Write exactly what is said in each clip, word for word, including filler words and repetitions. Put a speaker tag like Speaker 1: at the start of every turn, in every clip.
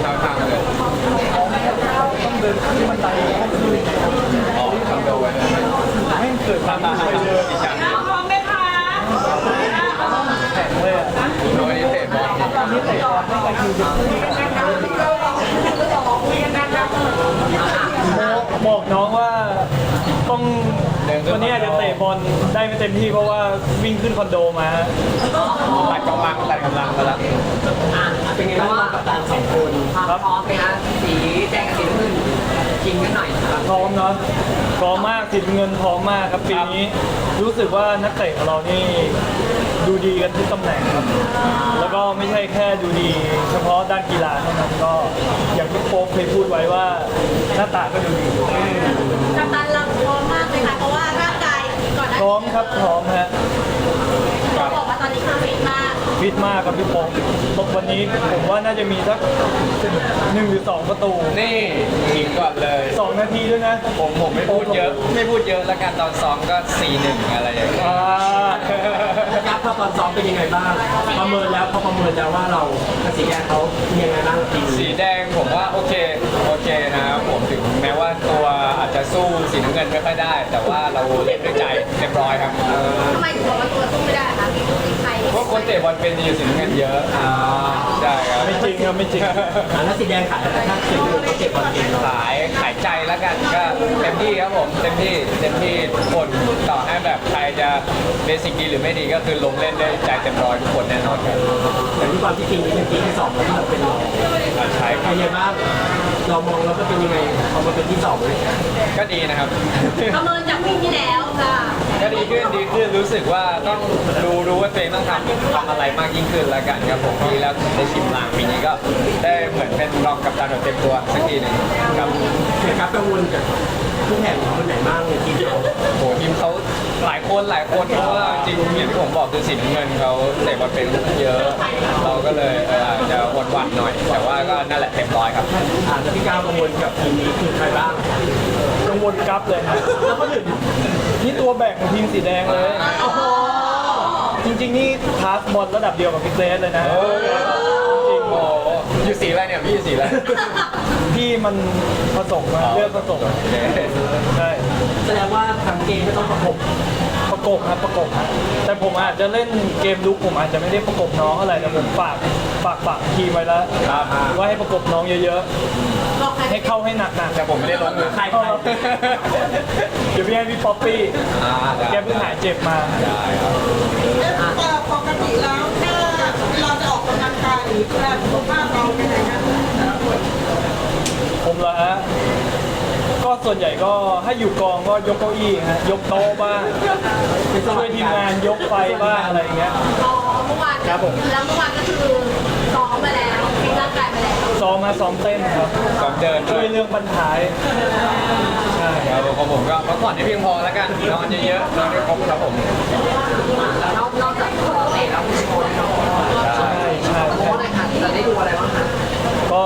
Speaker 1: ช้าทางเลย
Speaker 2: ต้องเดินขึ้นบันได
Speaker 1: อ๋อคอนโดไว้เลย
Speaker 2: ให้เกิดความสวยเลย
Speaker 3: พร้อมไหมคะ
Speaker 2: แข็งเลยอ่ะ
Speaker 1: โดยเตะบอล
Speaker 2: ตอนนี้เตะบอลไม่ไปคิวจะบอกน้องว่าต้องวันนี้อาจจะเตะบอลได้ไม่เต็มที่เพราะว่าวิ่งขึ้นคอนโดมา
Speaker 1: ตัดกำลังตัดกำลังมาแล้ว
Speaker 4: เป็นไงบ้างกับการสองคนความพร้อมไหมคะสีแดงกับสีน้ำเงินชิงกันหน่อยครับ
Speaker 2: พร้อมเนาะพร้อมมากสิบเงินพร้อมมากครับปีนี้รู้สึกว่านักเตะของเรานี่ดูดีกันทุกตำแหน่งครับแล้วก็ไม่ใช่แค่ดูดีเฉพาะด้านกีฬาเท่านั้นก็อย่างที่โป๊ปเคยพูดไว้ว่าหน้าตาก็ดูดี
Speaker 3: กัปตันเราพร้อมมากเลยค่ะเพราะว่าร่างกายก่อนหน้า
Speaker 2: พร้อมครับพร้อมฮะ
Speaker 3: เขาบอกว่าตอนนี้คือฟิตมาก
Speaker 2: ฟิตมากครับพี่โป๊ปวันนี้ผมว่าน่าจะมีสักหนึ่งหรือสองประตู
Speaker 1: นี่ยิงก่อนเลย
Speaker 2: สองนาทีด้วยนะ
Speaker 1: ผมผมไม่พูดเยอะไม่พูดเยอะแล้วกันตอนซ้อมก็ สี่หนึ่ง อะไรอย่างเงี้ย
Speaker 4: ยับพอตอนซ้อมเป็นยังไงบ้างประเมินแล้วพอประเมินแล้วว่าเราสีแดงเขายังไงบ้างที
Speaker 1: สีแดงผมว่าโอเคโอเคนะครับผมถึงแม้ว่าตัวอาจจะสู้สีน้ำเงินไม่ค่อยได้ แต่ว่าเราเล่นด้วยใจเรียบร้อยครับ
Speaker 3: ทำไมถึงบอกว่าตัวสู้ไม่ได้คะมีใคร
Speaker 1: เพราะคนเตะบอลเป็นดีสีน้ำเงินเยอะใช่ครับ
Speaker 2: ไม่จริงครับไม่จริง
Speaker 4: แล้วสีแดงขายถ้าสีเหลืองเขาเก็บบอลเก่ง
Speaker 1: ขายขายใจแล้วกันก็เต็มที่ครับผมเต็มที่เต็มที่ทุกคนต่อให้แบบใครจะเบสิกดีหรือไม่ดีก็คือลงเล่นได้ใจเต็มร้อยทุกคนแน่นอนครับ
Speaker 4: แต่ที่ความที่ทีมนี้เป็นทีมที่สองแล้วที่เราเป็นรอง
Speaker 1: ใช่
Speaker 4: เป็นยังไงบ้างเรามองแล้วก็เป็นยังไงพอมาเป็นที่สองเลย
Speaker 1: ก็ดีนะครับ
Speaker 3: ประเมินจากปีที่แล้วค่ะ
Speaker 1: ก็ดีขึ้นดีขึ้นรู้สึกว่าต้องดูรู้ว่าตัวเองต้องทำทำอะไรมากยิ่งขึ้นแล้วกันครับผมปีแล้วได้ชิมลางปีนี้ก็ได้เหมือนเป็นรองกัปตันแบบเต็มตัวสักทีหนึ่งครับ
Speaker 4: ครับกังวลกับผู้แข่งคนไหนบ้างในทีมเรา
Speaker 1: โหทีมเขาหลายคนหลายคนเพราะว่าจริงอย่างที่ผมบอกคือสีน้ำเงินเขาเตะบอลเป็นเยอะเราก็เลยอาจจะหวั่นๆหน่อยแต่ว่าก็นั่นแหละเต็มร้อยครับ
Speaker 4: อาจจะพี่ก้าวกังวลกับทีมนี้คือใครบ้าง
Speaker 2: กังวลกับเลยครับแล้วก็ถึงนี่ตัวแบกของทีมสีแดงเลยจริงๆนี่พาสบอลระดับเดียวกับพิเศษเลยนะ
Speaker 1: จริงโอ้อยู่สีอะไรเนี่ยพี่อยู่สีอะไร
Speaker 2: พี่มันผสมมาเลือกผสมใช่
Speaker 4: แสดงว่าทางเกมไม่ต้องประกบ
Speaker 2: ประกบครับประกบแต่ผมอาจจะเล่นเกมลุกผมอาจจะไม่ได้ประกบน้องอะไรแต่ผมฝากฝากฝากทีมไว้แล้วว่าให้ประกบน้องเยอะๆให้เข้าให้หนักๆ
Speaker 1: แต่ผมไม่ได้ลงมือใครเข้า
Speaker 2: เดี๋ยวพี่ให้พี่ป๊อปปี้แกเพิ่งหายเจ็บมา
Speaker 1: ได้ครับ
Speaker 3: ปกติแล้วถ้าเราจะออกกำลังกายหรือดูแลสุขภาพเราเป็นยังไงกัน
Speaker 2: ผมเหรอฮะก็ส่วนใหญ่ก็ให้อยู่กองก็ยกเก้าอี้ฮะยกโต๊ะบ้างช่วยทีมงานยกไฟบ้างอะไรอย่างเงี้ย
Speaker 3: อ๋อเมื่อวาน
Speaker 2: ครับผม
Speaker 3: แล้วเมื่อวานก็คือซ้อมมาแล้วฟิตร่างกายมาแล้ว
Speaker 2: ซ้อมมาซ้อมเต้นครับ
Speaker 1: ซ้อมเดิน
Speaker 2: ช่วยเรื่องบรรทาย
Speaker 1: ใช่ครับของผมก็พักผ่อนให้เพียงพอแล้วกันนอนเยอะๆนอนให้ครบครับผม
Speaker 4: แล้วนอกจากเตะแล้วมีโชว์เนาะ
Speaker 2: ใช่ใช่
Speaker 4: โค้ชเลยค่ะจะได้ดูอะไรบ้างคะ
Speaker 2: ก็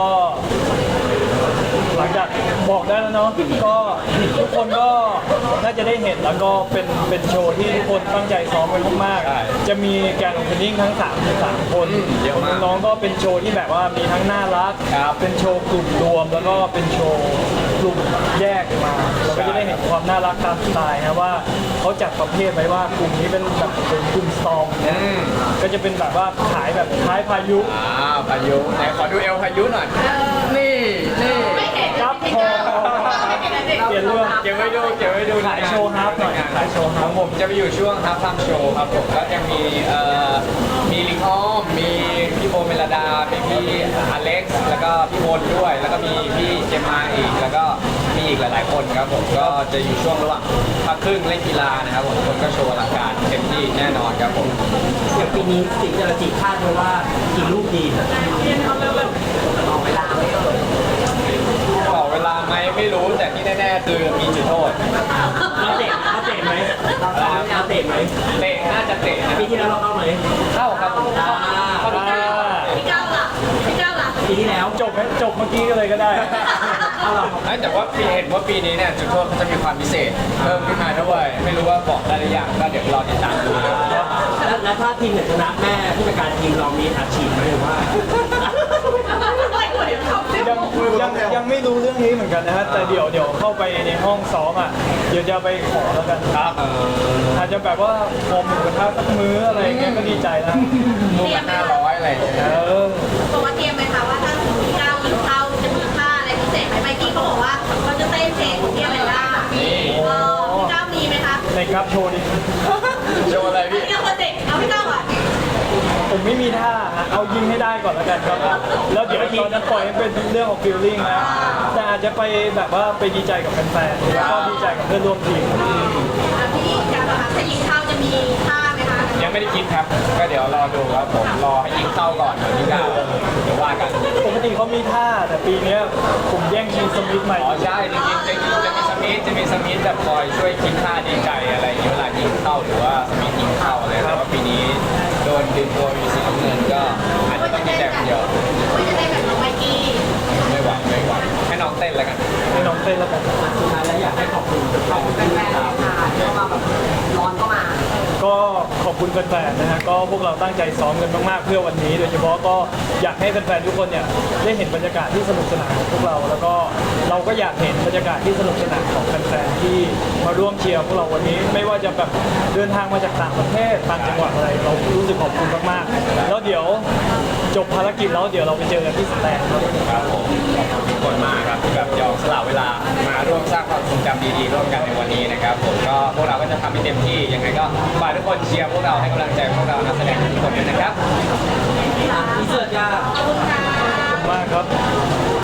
Speaker 2: หลังจากบอกได้แล้วเนาะก็ทุกคนก็น่าจะได้เห็นแล้วก็เป็นเป็นโชว์ที่ทุกคนตั้งใจซ้อมกันมากๆจะมีแกนโอเพนนิ่งทั้งสามสามคนน้องก็เป็นโชว์ที่แบบว่ามีทั้งน่ารักเป็นโชว์กลุ่มรวมแล้วก็เป็นโชว์กลุ่มแยกมาเราก็จะได้เห็นความน่ารักตามสไตล์นะว่าเขาจัดประเภทไว้ว่ากลุ่มนี้เป็นแบบเป็นกลุ่มสตอมก็จะเป็นแบบว่าขายแบบท้ายพายุ
Speaker 1: อ่าพายุไหนขอดูเอลพายุหน่อยนี่นี่
Speaker 2: ครับพอเปลี่ยนเรื่อง
Speaker 1: เก็บไว้ดูเก็บไว้ดู
Speaker 2: ขายโชว์ฮาร์ปหน่อยขายโชว์ฮาร์ป
Speaker 1: ผมจะไปอยู่ช่วงฮาร์ปทำโชว์ครับผมก็ยังมีเอ่อมีลิงอ้อมมีพี่โบเมลดามีพี่อเล็กซ์แล้วก็พี่โบนด้วยแล้วก็มีพี่เจมมาอีกแล้วก็มีอีกหลายๆคนครับผมก็จะอยู่ช่วงระหว่างพักครึ่งเล่นกีฬานะครับผมทุกคนก็โชว์อลังการเต็มที่แน่นอนครับผม
Speaker 4: อย่างปีนี้สิ่งที่เราจีคาดไว้ว่ากี่ลูกดีต่อเวลาไม่เอ่ย
Speaker 1: ต่อเวลาไหมไม่รู้แต่ที่แน่ๆคือมีจุดโทษ
Speaker 4: เราเตะเราเตะไหมเราเราเตะไหม
Speaker 1: เตะน่าจะเตะนะ
Speaker 4: ปีที่แล้วเราเข้าไหม
Speaker 1: เข้าครับผมเข้า
Speaker 3: พี่ก้าวล่ะพี่ก้าวล่ะ
Speaker 4: ปีที่แล้ว
Speaker 2: จบไหมจบเมื่อกี้ก็เลยก็ได้
Speaker 1: แต่ว่าปีเห็นว่าปีนี้เนี่ยจุดโทษเขาจะมีความพิเศษเพิ่มขึ้นมาด้วยไม่รู้ว่าบอกได้หรือยังก็เดี๋ยวรอติดตามดู
Speaker 4: แล้วถ้าทีมเนี่ยชนะแม่ผู้จัดการทีมเรามีอัดฉีดไหมหรือว่า
Speaker 3: ไม่ควรเดี๋ยวเขาสิ
Speaker 2: ยังยังไม่รู้เรื่องนี้เหมือนกันนะฮะแต่เดี๋ยวเดี๋ยวเข้าไปในห้องซ้อมอ่ะเดี๋ยวจะไปขอแล้วกัน
Speaker 1: ครับ
Speaker 2: อาจจะแบบว่าขอหมูกระทะสักมื้ออะไรอย่างเงี้ยก็ดีใจแล้ว
Speaker 1: ลูกละห้าร้อยอะไรอย่างเงี้ย
Speaker 2: เออ
Speaker 5: บอกว่าเตรียมไหมคะว่าถ้าสมมติพี่ก้าวยิงเข้าจะมีท่าอะไรพิเศษไหมไมค์กี้เขาบอกว่าเขาจะเต้นเพลงของพี่อแมนด้าเออพี่ก้าวมีไหมคะ
Speaker 2: ในกราฟโชว์ดิ
Speaker 1: โชว์อะไร
Speaker 5: พี่
Speaker 1: พี่
Speaker 5: ก้าวคนเด็กเอาพี่ก้าวอ่ะ
Speaker 2: ผมไม่มีท่าฮะเอายิงให้ได้ก่อนแล้วกันครับแล้วเดี๋ยวตอนนั้นปล่อยให้เป็นเรื่องของฟีลลิ่งนะแต่อาจจะไปแบบว่าไปดีใจกับแฟนๆแล้วก็ดีใจกับเพื่อนร่วมทีม
Speaker 5: อ่ะพี่ก้าวคะถ้ายิงเข้าจะมีท่าไหมคะ
Speaker 1: ยังไม่ได้คิดครับ ก็เดี๋ยวรอดูครับผมรอให้ยิงเข้าก่อนวันที่เก้าเดี๋ยวว่ากัน
Speaker 2: ปกติเขามีท่าแต่ปีเนี้ยผมแย่งชิงสมิธใหม่
Speaker 1: อ๋อใช่จริงๆจะมีจะมีสมิธจะมีสมิธแบบคอยช่วยคิดท่าดีใจอะไรอย่างเงี้ยเวลายิงเข้าหรือว่าสมิธยิงเข้าอะไรแต่ว่าปีนี้โดนดึงตัวมีสีน้ำเงินก็อาจจะต้องมีแต้มเดียว
Speaker 5: ไม่จะได้แบบน้องไมค์กี้
Speaker 1: ไม่ไหวไม่ไหวให้น้องเต้นแล้วกัน
Speaker 2: ให้น้องเต้นแล้วกัน
Speaker 4: สุดท้ายแล้วอยากให้ขอบคุณขอบคุณแฟนๆค่ะที่เข้ามาแบบร้อนเข้ามา
Speaker 2: ก็ขอบคุณแฟนๆนะฮะก็พวกเราตั้งใจซ้อมกันมากๆเพื่อวันนี้ โดยเฉพาะก็อยากให้แฟนๆทุกคนเนี่ยได้เห็นบรรยากาศที่สนุกสนานของพวกเรา แล้วก็เราก็อยากเห็นบรรยากาศที่สนุกสนานของแฟนๆที่มาร่วมเชียร์พวกเราวันนี้ ไม่ว่าจะแบบเดินทางมาจากต่างประเทศต่างจังหวัดอะไร เรารู้สึกขอบคุณมากๆแล้วเดี๋ยวจบภารกิจแล้วเดี๋ยวเราไปเจอกันที่สแตนครับ
Speaker 1: ครับผมขอบคุณทุกคนมากครับที่แบบยอมสละเวลามาร่วมสร้างความทรงจำดีๆร่วมกันในวันนี้นะครับผมก็พวกเราก็จะทำให้เต็มที่ยังไงก็ฝากทุกคนเชียร์พวกเราให้กำลังใจพวกเรานักแสดงทุกคนด้วยนะครับ
Speaker 4: อินเสิร์ตยา
Speaker 5: ขอบคุณค่ะ
Speaker 2: ขอบคุณมากครับ